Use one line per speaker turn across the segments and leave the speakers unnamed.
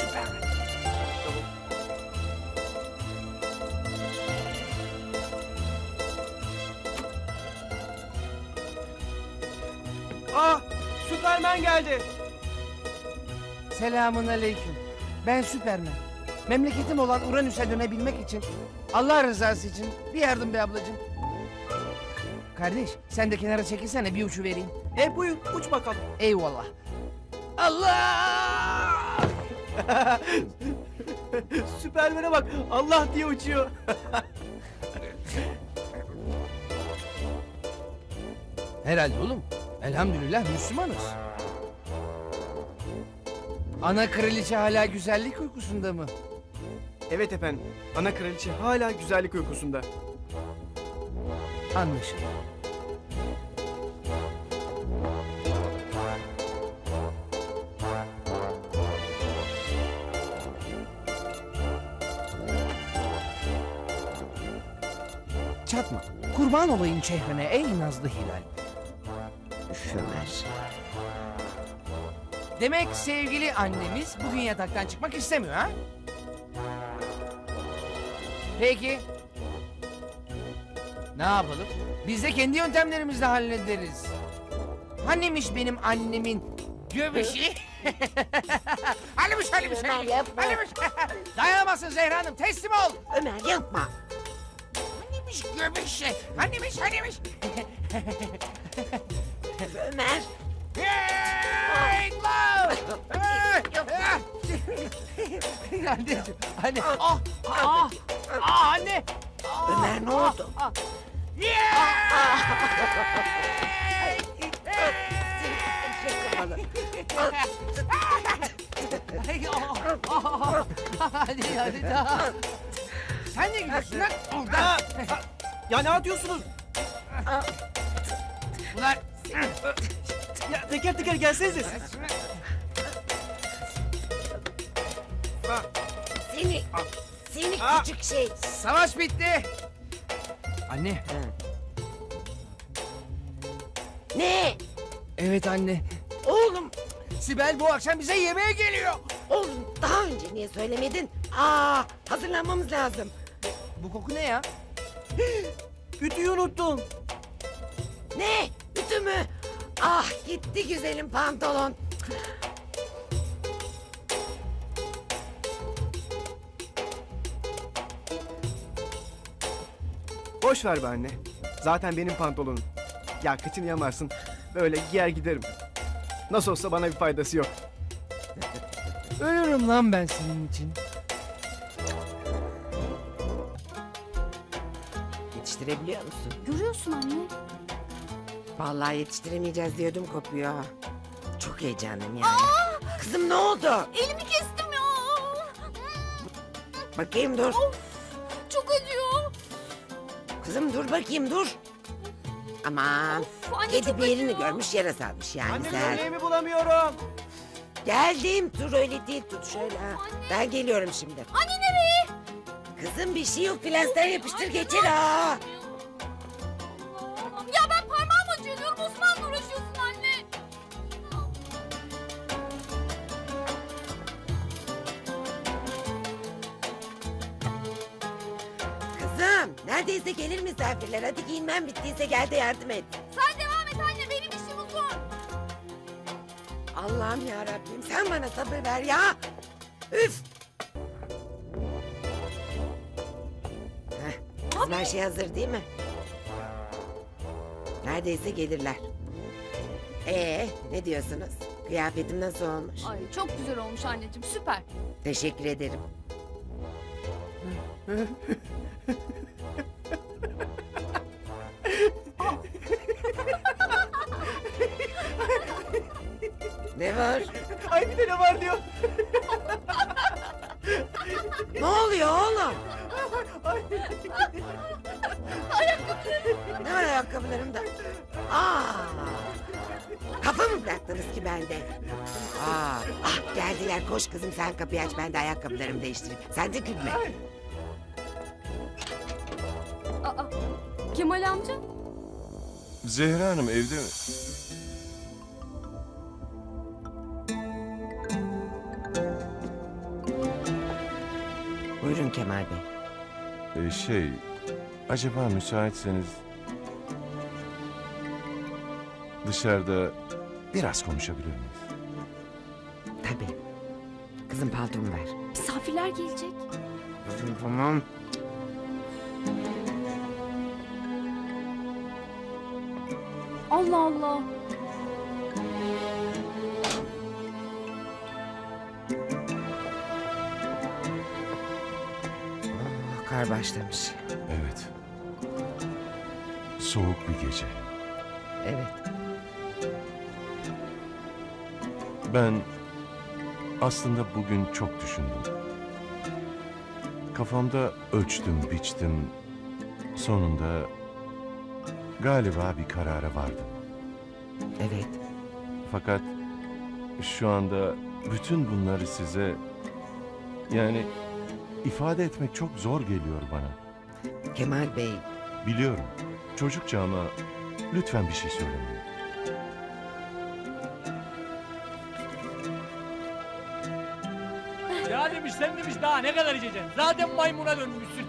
Süpermen.
Ah! Süpermen geldi.
Selamun aleyküm. Ben Süpermen. Memleketim olan Uranüs'e dönebilmek için, Allah rızası için bir yardım be ablacığım. Kardeş sen de kenara çekilsene bir uçu vereyim.
Buyur uç bakalım.
Eyvallah. Allah!
Süpermen'e bak Allah diye uçuyor.
Herhalde oğlum. Elhamdülillah Müslümanız. Ana kraliçe hala güzellik uykusunda mı?
Evet efendim. Ana kraliçe hala güzellik uykusunda.
Anlaşıldı. Çatma. Kurban olayım çehrene ey nazlı hilal.
Üşümez.
Demek sevgili annemiz bugün yataktan çıkmak istemiyor ha? Peki. Ne yapalım? Biz de kendi yöntemlerimizle hallederiz. Hanimiş benim annemin göbüşü? Hanimiş.
Ömer yapma.
Hanimiş. Dayanamazsın Zehra Hanım teslim ol.
Ömer yapma.
Hanimiş göbüşü. Hanimiş.
Ömer.
Hey, love! Anneciğim, anne. Anne.
Ömer ne oldu?
Hadi daha. Sen ne gidiyorsun lan? Oradan.
Ya ne atıyorsunuz?
Ulan.
Ya teker teker gelsenize siz.
Seni
Aa.
küçük şey.
Savaş bitti. Anne.
Ne?
Evet anne.
Oğlum,
Sibel bu akşam bize yemeğe geliyor.
oğlum daha önce niye söylemedin? Hazırlanmamız lazım.
Bu koku ne ya?
Ütüyü unuttum.
Ne? Ütü mü? Gitti güzelim pantolon.
Boş ver be anne. Zaten benim pantolonum. Ya kıçını yamarsın. Böyle giyer giderim. Nasıl olsa bana bir faydası yok.
Ölürüm lan ben senin için.
Yetiştirebiliyor musun?
Görüyorsun anne.
Vallahi yetiştiremeyeceğiz diyordum kopuyor. Çok heyecanlıyım yani. Kızım ne oldu?
Elimi kestim ya.
Bakayım dur.
Çok acıyor.
Kızım dur bakayım dur. Aman.
Of, anne
Kedi
çok
bir yerini
acıyor.
görmüş yara salmış yani
Anne
sen.
gömleğimi bulamıyorum.
Geldim dur öyle değil tut şöyle ha.
Anne.
Ben geliyorum şimdi.
Anne nereye?
Kızım bir şey yok plaster yapıştır geçir ha.
Allah'ım. Ya ben parmağım acıyor diyorum. Osman'la uğraşıyorsun anne.
Kızım neredeyse gelir misafirler. Hadi giyinmem bittiyse gel de yardım et.
Sen devam et anne. Benim işim uzun.
Allah'ım ya Rabbim sen bana sabır ver ya. Üf. Kızım her şey hazır değil mi? Neredeyse gelirler. Ne diyorsunuz? Kıyafetim nasıl olmuş?
Ay çok güzel olmuş anneciğim. Süper.
Teşekkür ederim. Ne var?
Ay bir de ne var diyor.
Ne oluyor oğlum? Ne var ayakkabılarımda? Kafa mı bıraktınız ki bende? Geldiler koş kızım sen kapıyı aç ben de ayakkabılarımı değiştireyim. Sen de gülme.
Aa, Kemal amca.
Zehra Hanım evde mi?
Kemal Bey?
Acaba müsaitseniz dışarıda biraz konuşabilir miyiz?
Tabii. Kızım paltomu ver.
Misafirler gelecek.
Tamam.
Allah Allah.
Oh, kar başlamış.
Evet. Soğuk bir gece.
Evet.
Ben aslında bugün çok düşündüm. Kafamda ölçtüm, biçtim. Sonunda galiba bir karara vardım.
Evet.
Fakat şu anda bütün bunları size yani ifade etmek çok zor geliyor bana.
Kemal Bey.
Biliyorum. Çocukça ama lütfen bir şey söylemeyin.
Ya demiş sen demiş daha ne kadar içeceksin? Zaten maymuna dönmüşsün.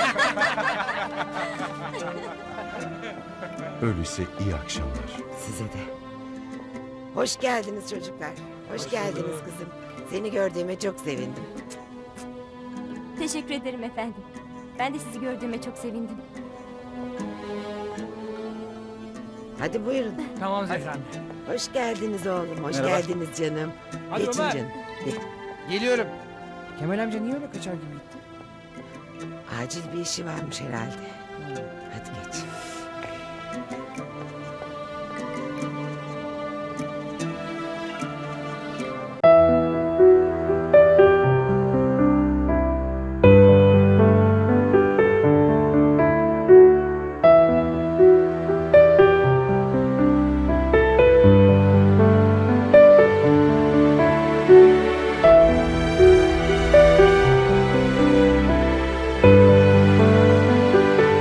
Öyleyse iyi akşamlar.
Size de. Hoş geldiniz çocuklar. Hoş geldiniz kızım. Seni gördüğüme çok sevindim.
Teşekkür ederim efendim. Ben de sizi gördüğüme çok sevindim.
Hadi buyurun.
Tamam Zehra anne.
Hoş geldiniz oğlum. Hoş
Merhaba.
geldiniz canım.
Hadi
Geçin
Ömer.
canım. Geç.
Geliyorum. Kemal amca niye öyle kaçar gibi gitti?
Acil bir işi varmış herhalde.